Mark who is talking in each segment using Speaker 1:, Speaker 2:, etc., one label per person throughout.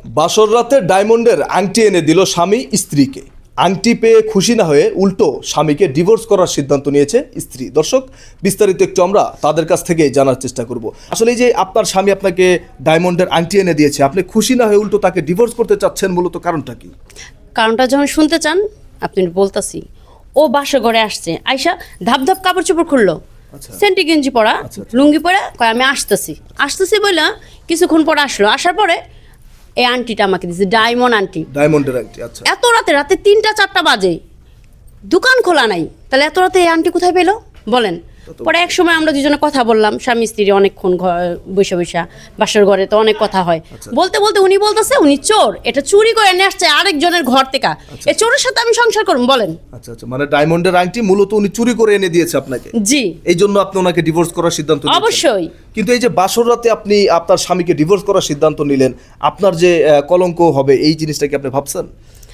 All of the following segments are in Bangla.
Speaker 1: বাসর রাতে ডায়মন্ডের আংটি এনে দিল স্বামী স্ত্রীকে। আংটি পেয়ে খুশি না হয়ে উল্টো স্বামীকে ডিভোর্স করার সিদ্ধান্ত নিয়েছে স্ত্রী। দর্শক, বিস্তারিত একটু আমরা তাদের কাছ থেকে জানার চেষ্টা করব। আসলে এই যে আপনার স্বামী আপনাকে ডায়মন্ডের আংটি এনে দিয়েছে, আপনি খুশি না হয়ে উল্টো তাকে ডিভোর্স করতে চাচ্ছেন, মূলত কারণটা কি?
Speaker 2: কারণটা যখন শুনতে চান আপনি বলতাছি। ও বাসা ঘরে আসছে, আয়সা ধাপ ধাপ কাপড় চোপড় খুললো, সেন্টি গেঞ্জি পরা, লুঙ্গি পরা, কয় আমি আসতেছি বললা কিছুক্ষণ পরে আসলো। আসার পরে এই আন্টিটা আমাকে দিয়েছে,
Speaker 1: ডায়মন্ডের আংটি। আচ্ছা,
Speaker 2: এত রাতে 3টা 4টা বাজে, দোকান খোলা নাই, তাহলে এত রাতে এই আন্টি কোথায় পেলো বলেন? পরে এক সময় আমরা দুজনে কথা বললাম, স্বামী স্ত্রী অনেকক্ষণ বৈশা বাসার ঘরে তো অনেক কথা হয়। বলতে বলতে উনি বলতেছে উনি চোর, এটা চুরি করে নিয়ে আসছে আরেকজনের ঘর থেকে, এই চোরের সাথে আমি সংসার করব বলেন?
Speaker 1: আচ্ছা আচ্ছা, মানে ডায়মন্ডের আংটি মূলত উনি চুরি করে এনে দিয়েছে আপনাকে?
Speaker 2: জি।
Speaker 1: এই জন্য আপনি ওনাকে ডিভোর্স করার সিদ্ধান্ত নিয়েছেন?
Speaker 2: অবশ্যই।
Speaker 1: কিন্তু এই যে বাসর রাতে আপনি আপনার স্বামীকে ডিভোর্স করার সিদ্ধান্ত নিলেন, আপনার যে কলঙ্ক হবে এই জিনিসটা কি আপনি ভাবছেন?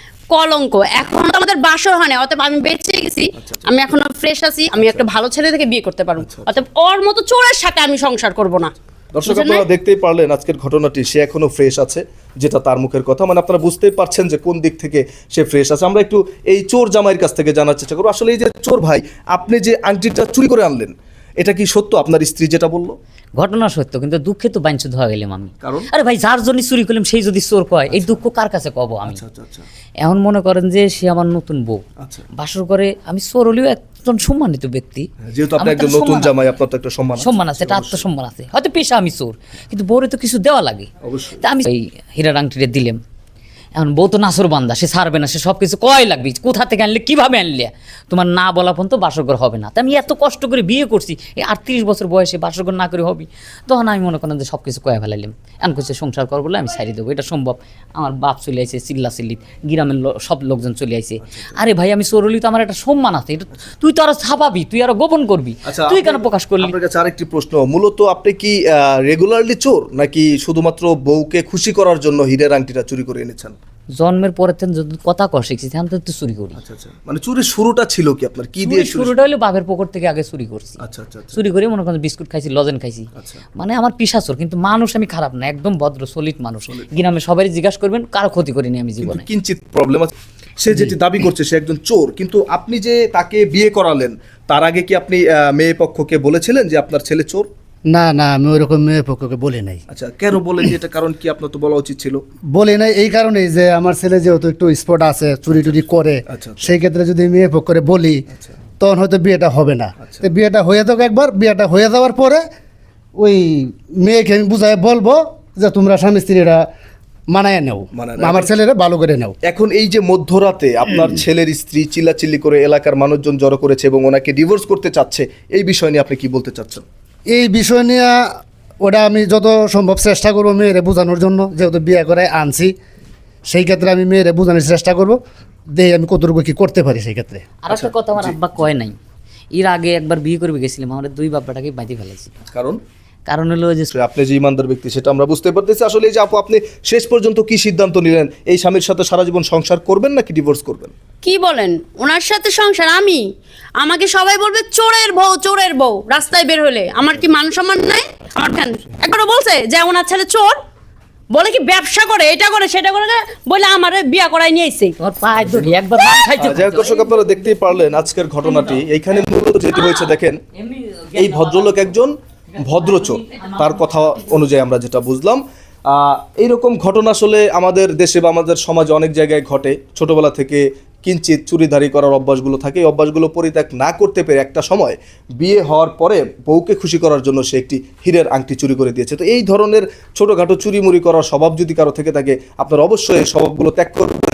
Speaker 2: কলঙ্ক এখন তো আমাদের বাসর হয় না, অতএব আমি বেঁচে গেছি, আমি এখনো ফ্রেশ আছি, আমি একটা ভালো ছেলে থেকে বিয়ে করতে পারবো, অতএব ওর মতো চোরের সাথে আমি সংসার করব না।
Speaker 1: দর্শক, আপনারা দেখতেই পারলেন আজকের ঘটনাটি, সে এখনো ফ্রেশ আছে, যেটা তার মুখের কথা, মানে আপনারা বুঝতেই পারছেন যে কোন দিক থেকে সে ফ্রেশ আছে। আমরা একটু এই চোর জামাইয়ের কাছ থেকে জানার চেষ্টা করবো, আসলে এই যে চোর ভাই, আপনি যে আংটিটা চুরি করে আনলেন, এটা কি সত্য আপনার স্ত্রী যেটা বললো?
Speaker 3: ঘটনা সত্য, কিন্তু দুঃখে তো বাঞ্ছিত হয়ে গেলাম আমি।
Speaker 1: কারণ?
Speaker 3: আরে ভাই, যার জন্য চুরি করলাম সেই যদি চোর কয়, এই দুঃখ কার কাছে কব আমি? এখন মনে করেন যে সে আমার নতুন বউ, বাসর করে আমি চোর হলেও একজন সম্মানিত ব্যক্তি,
Speaker 1: যেহেতু আপনি একজন নতুন জামাই, আপনার তো একটা
Speaker 3: সম্মান আছে, একটা আত্মসম্মান আছে। হয়তো পেশা আমি চোর, কিন্তু বউরে তো কিছু দেওয়া লাগে। তা আমি এই হীরার আংটিটা দিলাম। এখন বউ তো নাসর বান্দা, সে ছাড়বে না, সে সব কিছু কয় লাগবে, কোথা থেকে আনলে, কিভাবে আনলে, তোমার না বলা পর্যন্ত বাসরঘর হবে না। তা আমি এত কষ্ট করে বিয়ে করছি, এই 38 বছর বয়সে বাসরঘর না করে হবি? তখন আমি মনে করেন যে সব কিছু কয়ে ফেলাইলাম। এখন করছে সংসার করবো বলে আমি ছাড়ি দেবো, এটা সম্ভব? আমার বাপ চলে আসে, চিল্লি গ্রামের সব লোকজন চলে আসে। আরে ভাই, আমি চোর হলি তো আমার একটা সম্মান আছে, এটা তুই তো আরো ছাপাবি, তুই আরো গোপন করবি, তুই কেন প্রকাশ করলি?
Speaker 1: আপনার কাছে আরেকটি প্রশ্ন, মূলত আপনি কি রেগুলারলি চোর, নাকি শুধুমাত্র বউকে খুশি করার জন্য হীরের আংটিটা চুরি করে এনেছেন?
Speaker 3: জন্মের পরে যদি কথা কর শিখছি, তখন তো চুরি করি।
Speaker 1: আচ্ছা আচ্ছা, মানে চুরির শুরুটা ছিল কি আপনার? কি দিয়ে
Speaker 3: শুরুটা হলো বাপের পকেট থেকে আগে চুরি করছি।
Speaker 1: আচ্ছা আচ্ছা,
Speaker 3: চুরি করে মনে করেন বিস্কুট খাইছি, লজেন খাইছি। মানে আমার পিশাচোর, কিন্তু মানুষ আমি খারাপ না, একদম ভদ্র সলিড মানুষ। গ্রামে সবাই জিজ্ঞাসা করবেন, কারো ক্ষতি করিনি আমি জীবনে।
Speaker 1: কিঞ্চিত প্রবলেম আছে, সে যেটি দাবি করছে সে একজন চোর, কিন্তু আপনি যে তাকে বিয়ে করালেন তার আগে কি আপনি মেয়ে পক্ষকে বলেছিলেন যে আপনার ছেলে চোর?
Speaker 4: না না, আমি ওইরকম মেয়ে পক্ষকে বলি নাই।
Speaker 1: আচ্ছা, কেন বলেন? এটা কারণ কি? আপনার তো বলা উচিত ছিল।
Speaker 4: বলি নাই এই কারণেই যে আমার ছেলে যেহেতু একটু স্পট আছে, চুরি টুরি করে, সেই ক্ষেত্রে যদি মেয়ে পক্ষে বলি তখন হয়তো বিয়েটা হবে না। তো বিয়েটা হয়ে যাক একবার, বিয়েটা হয়ে যাওয়ার পরে ওই মেয়েকে আমি বুঝাই বলবো যে তোমরা স্বামী স্ত্রীরা মানায় নেও, আমার ছেলেরা ভালো করে নেও।
Speaker 1: এখন এই যে মধ্যরাতে আপনার ছেলের স্ত্রী চিল্লাচিল্লি করে এলাকার মানুষজন জড়ো করেছে এবং ওনাকে ডিভোর্স করতে চাচ্ছে, এই বিষয় নিয়ে আপনি কি বলতে চাচ্ছেন?
Speaker 4: এই বিষয় নিয়ে ওটা আমি যত সম্ভব চেষ্টা করবো মেয়েরে বোঝানোর জন্য, যেহেতু বিয়ে করে আনছি, সেই ক্ষেত্রে আমি মেয়েরে বোঝানোর চেষ্টা করবো, দেখি আমি কতটুকু কি করতে পারি সেই ক্ষেত্রে।
Speaker 3: আর একটা কথা আমার আব্বা কয় নাই, এর আগে একবার বিয়ে করবে গেছিলাম, আমার 2 বাপ্পাটাকে বাইতে ফেলেছি। কারণ হলো যে
Speaker 1: আপনি যে ইমানদার ব্যক্তি সেটা আমরা বুঝতে পারতেছি। আসলে এই যে আপু, আপনি শেষ পর্যন্ত কি সিদ্ধান্ত নিলেন? এই স্বামীর সাথে সারা জীবন সংসার করবেন নাকি ডিভোর্স করবেন?
Speaker 2: কি বলেন? ওনার সাথে সংসার? আমাকে সবাই বলবে চোরের বউ, রাস্তায় বের হলে আমার কি মান সম্মান নাই? আমার কেন একবারও বলছে যে ওনার ছেলে চোর? বলে কি ব্যবসা করে, এটা করে সেটা করে, বলে আমার বিয়া করাই নিয়ে এসে
Speaker 3: একবার
Speaker 1: দর্শক, আপনারা দেখতেই পারলেন আজকের ঘটনাটি। এইখানে মূলত যেটি হয়েছে দেখেন, এই ভদ্রলোক একজন ভদ্রচোর, তার কথা অনুযায়ী আমরা যেটা বুঝলাম। এইরকম ঘটনা আসলে আমাদের দেশে বা আমাদের সমাজে অনেক জায়গায় ঘটে। ছোটবেলা থেকে কিঞ্চিত চুরিধারি করার অভ্যাসগুলো থাকে, এই অভ্যাসগুলো পরিত্যাগ না করতে পেরে একটা সময় বিয়ে হওয়ার পরে বউকে খুশি করার জন্য সে একটি হীরের আংটি চুরি করে দিয়েছে। তো এই ধরনের ছোটোখাটো চুরিমুরি করার স্বভাব যদি কারো থেকে থাকে, আপনারা অবশ্যই এই স্বভাবগুলো ত্যাগ করবেন।